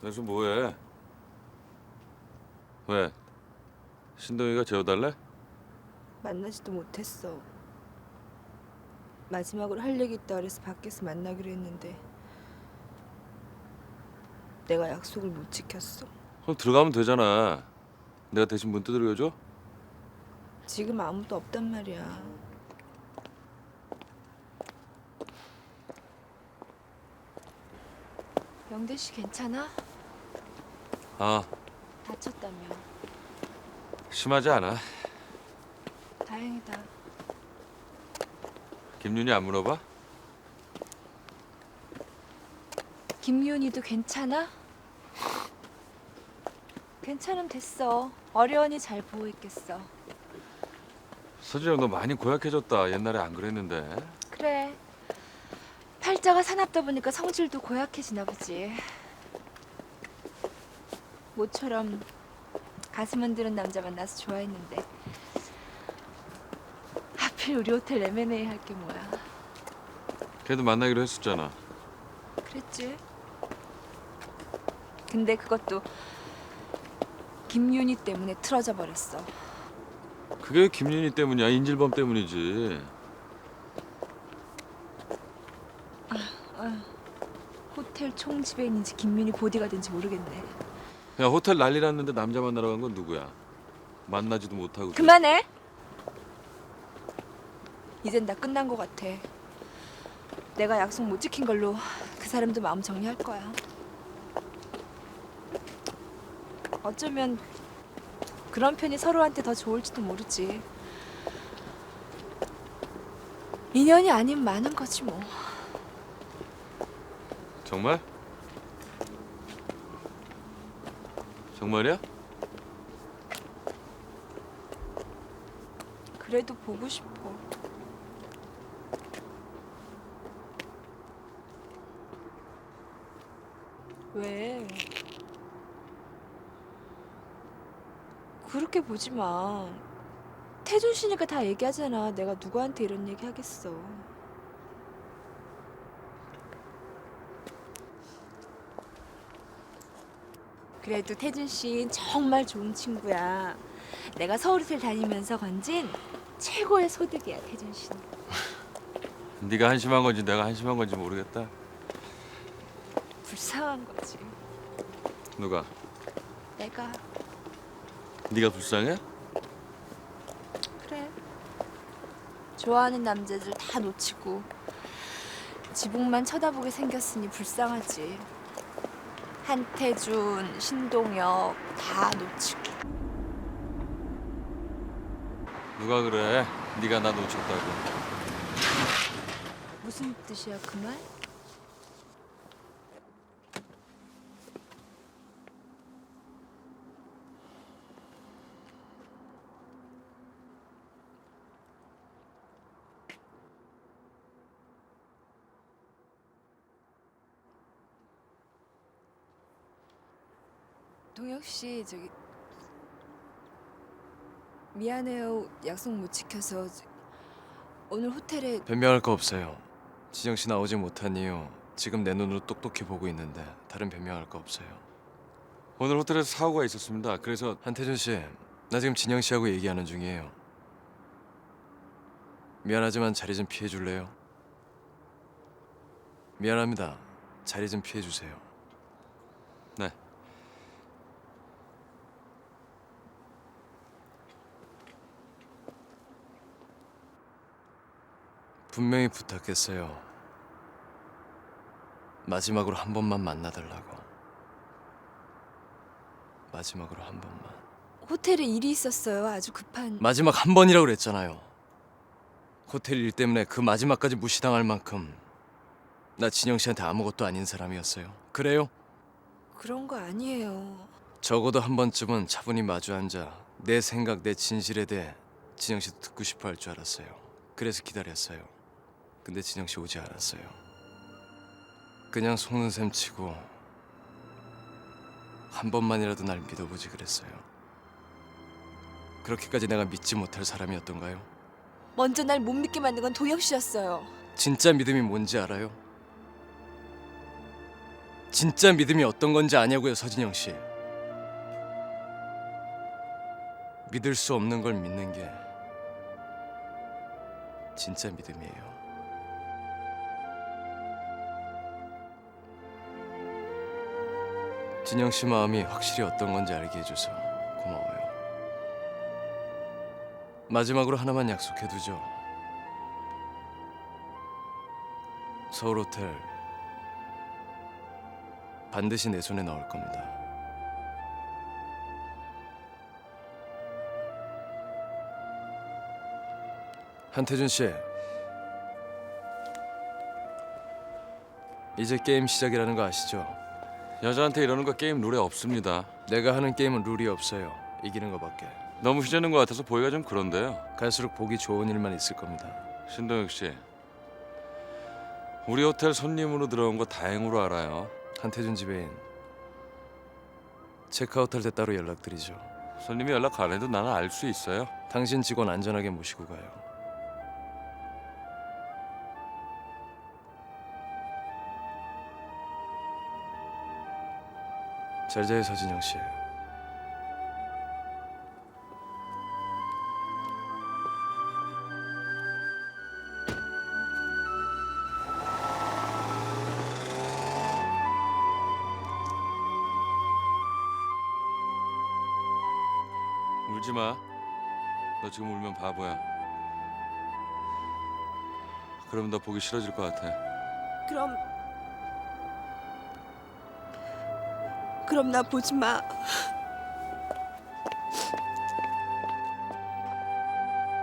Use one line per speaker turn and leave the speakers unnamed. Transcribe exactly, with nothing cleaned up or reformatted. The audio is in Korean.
그래서 뭐해? 왜? 신동이가 재워달래?
만나지도 못했어. 마지막으로 할 얘기 있다 그래서 밖에서 만나기로 했는데 내가 약속을 못 지켰어.
그럼 들어가면 되잖아. 내가 대신 문 두드려줘?
지금 아무도 없단 말이야. 영대 씨 괜찮아?
아,
다쳤다며.
심하지 않아.
다행이다.
김윤이 안 물어봐?
김윤이도 괜찮아? 괜찮으면 됐어. 어려우니 잘 보고 있겠어.
서진영 너 많이 고약해졌다. 옛날에 안 그랬는데.
그래. 팔자가 사납다 보니까 성질도 고약해지나 보지. 모처럼 가슴 흔드는 남자 만나서 좋아했는데 하필 우리 호텔 엠 앤 에이 할 게 뭐야.
걔도 만나기로 했었잖아.
그랬지. 근데 그것도 김윤희 때문에 틀어져 버렸어.
그게 김윤희 때문이야. 인질범 때문이지.
호텔 총지배인인지 김윤희 보디가든지 모르겠네.
야, 호텔 난리 났는데 남자 만나러 간 건 누구야? 만나지도 못하고.
그만해. 이젠 다 끝난 것 같아. 내가 약속 못 지킨 걸로 그 사람도 마음 정리할 거야. 어쩌면 그런 편이 서로한테 더 좋을지도 모르지. 인연이 아닌 많은 거지 뭐.
정말? 정말이야?
그래도 보고 싶어. 왜? 그렇게 보지 마. 태준 씨니까 다 얘기하잖아. 내가 누구한테 이런 얘기 하겠어. 그래도 태준 씨 정말 좋은 친구야. 내가 서울호텔 다니면서 건진 최고의 소득이야, 태준 씨는.
네가 한심한 건지 내가 한심한 건지 모르겠다.
불쌍한 거지.
누가?
내가.
네가 불쌍해?
그래. 좋아하는 남자들 다 놓치고 지붕만 쳐다보게 생겼으니 불쌍하지. 한태준, 신동엽 다 놓치고.
누가 그래? 네가 나 놓쳤다고.
무슨 뜻이야 그 말? 동혁 씨 저기 미안해요. 약속 못 지켜서 오늘 호텔에
변명할 거 없어요. 지정 씨 나오지 못한 이유 지금 내 눈으로 똑똑히 보고 있는데 다른 변명할 거 없어요.
오늘 호텔에서 사고가 있었습니다. 그래서
한태준 씨, 나 지금 진영 씨하고 얘기하는 중이에요. 미안하지만 자리 좀 피해 줄래요? 미안합니다. 자리 좀 피해 주세요.
네.
분명히 부탁했어요. 마지막으로 한 번만 만나달라고. 마지막으로 한 번만.
호텔에 일이 있었어요. 아주 급한.
마지막 한 번이라고 그랬잖아요. 호텔 일 때문에 그 마지막까지 무시당할 만큼 나 진영 씨한테 아무것도 아닌 사람이었어요. 그래요?
그런 거 아니에요.
적어도 한 번쯤은 차분히 마주 앉아 내 생각, 내 진실에 대해 진영 씨도 듣고 싶어 할 줄 알았어요. 그래서 기다렸어요. 근데 진영 씨 오지 않았어요. 그냥 속는 셈 치고 한 번만이라도 날 믿어보지 그랬어요. 그렇게까지 내가 믿지 못할 사람이었던가요?
먼저 날 못 믿게 만든 건 동혁 씨였어요.
진짜 믿음이 뭔지 알아요? 진짜 믿음이 어떤 건지 아냐고요, 서진영 씨. 믿을 수 없는 걸 믿는 게 진짜 믿음이에요. 진영 씨 마음이 확실히 어떤 건지 알게 해줘서 고마워요. 마지막으로 하나만 약속해두죠. 서울 호텔 반드시 내 손에 넣을 겁니다. 한태준 씨, 이제 게임 시작이라는 거 아시죠?
여자한테 이러는 거 게임 룰에 없습니다.
내가 하는 게임은 룰이 없어요. 이기는 거밖에.
너무 휘저는 것 같아서 보기가 좀 그런데요.
갈수록 보기 좋은 일만 있을 겁니다.
신동혁 씨, 우리 호텔 손님으로 들어온 거 다행으로 알아요.
한태준 지배인, 체크아웃 할 때 따로 연락드리죠.
손님이 연락 안 해도 나는 알 수 있어요.
당신 직원 안전하게 모시고 가요. 잘 자요, 서진영 씨.
울지 마. 너 지금 울면 바보야. 그럼 너 보기 싫어질 것 같아.
그럼 그럼 나 보지 마.